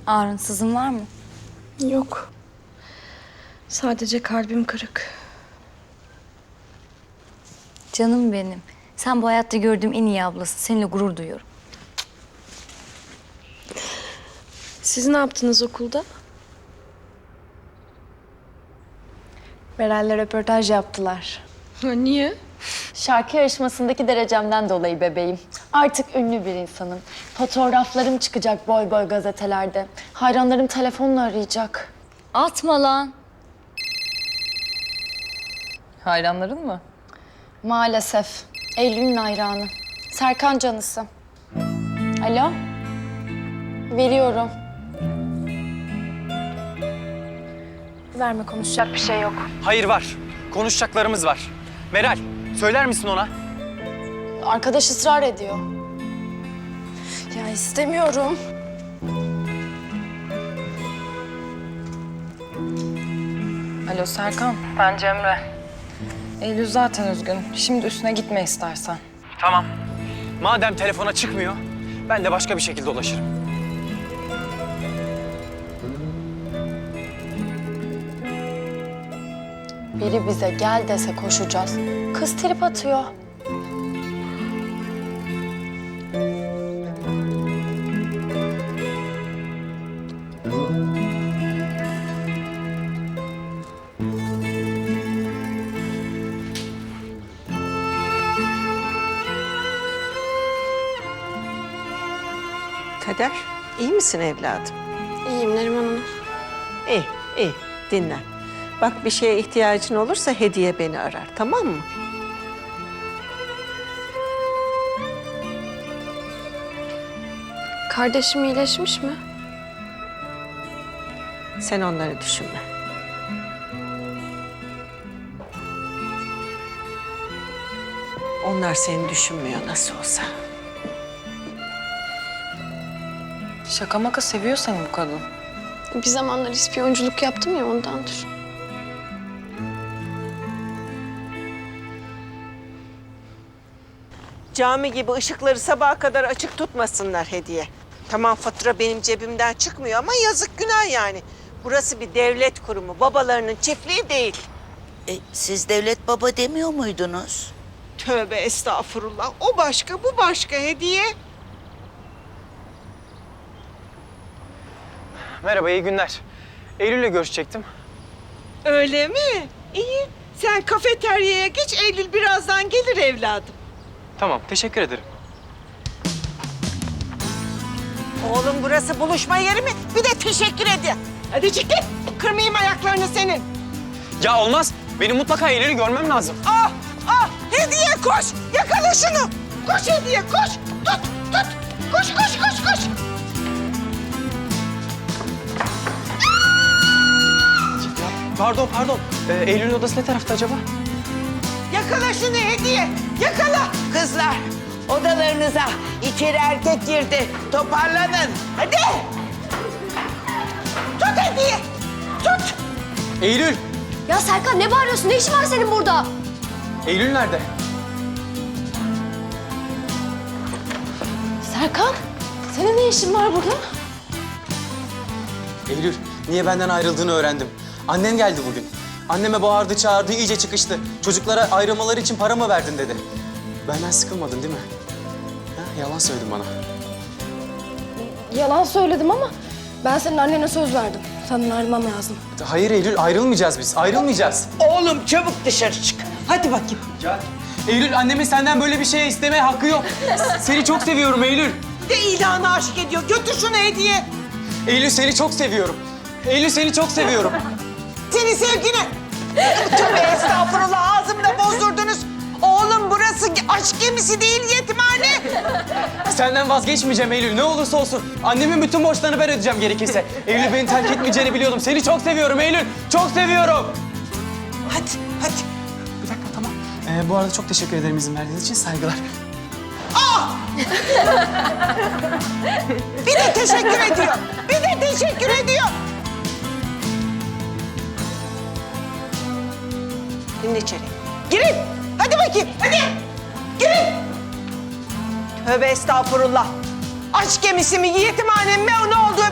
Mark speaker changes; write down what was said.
Speaker 1: Ağrın, sızın var mı?
Speaker 2: Yok. Sadece kalbim kırık.
Speaker 1: Canım benim. Sen bu hayatta gördüğüm en iyi ablasın. Seninle gurur duyuyorum.
Speaker 2: Siz ne yaptınız okulda? Meral'le röportaj yaptılar. Niye?
Speaker 3: Şarkı yarışmasındaki derecemden dolayı bebeğim. Artık ünlü bir insanım. Fotoğraflarım çıkacak boy boy gazetelerde. Hayranlarım telefonla arayacak.
Speaker 1: Atma lan.
Speaker 3: Hayranların mı? Maalesef. Eylül'ün hayranı. Serkan canısı. Alo? Veriyorum.
Speaker 2: Verme, konuşacak bir şey yok.
Speaker 4: Hayır var. Konuşacaklarımız var. Meral, söyler misin ona?
Speaker 3: Arkadaş ısrar ediyor.
Speaker 2: Ya istemiyorum.
Speaker 5: Alo Serkan. Ben Cemre. Eylül zaten üzgün. Şimdi üstüne gitme istersen.
Speaker 4: Tamam. Madem telefona çıkmıyor, ben de başka bir şekilde ulaşırım.
Speaker 3: Biri bize gel dese koşacağız. Kız trip atıyor.
Speaker 6: Kader, iyi misin evladım?
Speaker 2: İyiyim Neriman Hanım.
Speaker 6: İyi, iyi. Dinlen. Bak bir şeye ihtiyacın olursa Hediye beni arar, tamam mı?
Speaker 2: Kardeşim iyileşmiş mi?
Speaker 6: Sen onları düşünme. Onlar seni düşünmüyor nasıl olsa.
Speaker 5: Şaka maka seviyor seni bu kadın.
Speaker 2: Bir zamanlar ispiyonculuk yaptım ya, ondandır.
Speaker 6: Cami gibi ışıkları sabaha kadar açık tutmasınlar Hediye. Tamam, fatura benim cebimden çıkmıyor ama yazık, günah yani. Burası bir devlet kurumu, babalarının çiftliği değil.
Speaker 7: Siz devlet baba demiyor muydunuz?
Speaker 6: Tövbe estağfurullah. O başka, bu başka Hediye.
Speaker 4: Merhaba, iyi günler. Eylül'le görüşecektim.
Speaker 6: Öyle mi? İyi. Sen kafeteryaya geç, Eylül birazdan gelir evladım.
Speaker 4: Tamam, teşekkür ederim.
Speaker 6: Oğlum burası buluşma yeri mi? Bir de teşekkür edin. Hadi çekil. Kırmayayım ayaklarını senin.
Speaker 4: Ya olmaz. Benim mutlaka Eylül'ü görmem lazım.
Speaker 6: Ah! Ah! Hediye koş! Yakala şunu! Koş Hediye, koş! Tut! Tut! Koş, koş, koş, koş!
Speaker 4: Pardon. Eylül'ün odası ne tarafta acaba?
Speaker 6: Yakala şunu Hediye! Yakala!
Speaker 7: Kızlar, odalarınıza. İçeri erkek girdi. Toparlanın.
Speaker 6: Hadi! Tut Hediye! Tut!
Speaker 4: Eylül!
Speaker 2: Ya Serkan, ne bağırıyorsun? Ne işin var senin burada?
Speaker 4: Eylül nerede?
Speaker 2: Serkan, senin ne işin var burada?
Speaker 8: Eylül, niye benden ayrıldığını öğrendim. Annen geldi bugün. Anneme bağırdı, çağırdı, iyice çıkıştı. Çocuklara ayrılmaları için para mı verdin dedi. Benden sıkılmadın değil mi? Ha, yalan söyledin bana.
Speaker 2: Yalan söyledim ama ben senin annene söz verdim. Senden ayrılmam lazım.
Speaker 8: Hayır Eylül, ayrılmayacağız biz. Ayrılmayacağız.
Speaker 6: Oğlum çabuk dışarı çık. Hadi bakayım.
Speaker 8: Gel. Eylül, annemin senden böyle bir şeye istemeye hakkı yok. Seni çok seviyorum Eylül.
Speaker 6: De ilanı aşık ediyor. Götür şunu Hediye.
Speaker 8: Eylül, seni çok seviyorum. Eylül, seni çok seviyorum.
Speaker 6: Senin sevgini. Tövbe estağfurullah, ağzımda bozdurdunuz. Oğlum burası aşk gemisi değil, yetimhane.
Speaker 8: Senden vazgeçmeyeceğim Eylül, ne olursa olsun. Annemin bütün borçlarını ben ödeyeceğim gerekirse. Eylül, beni terk etmeyeceğini biliyordum. Seni çok seviyorum Eylül, çok seviyorum.
Speaker 6: Hadi, hadi.
Speaker 8: Bir dakika, tamam. Bu arada çok teşekkür ederim izin verdiğiniz için, saygılar.
Speaker 6: Bir de teşekkür ediyor. Bir de teşekkür ediyor. Girin içeri. Girin. Hadi bakayım. Hadi. Girin. Tövbe estağfurullah. Aşk gemisi mi, yetimhane mi, ne oldu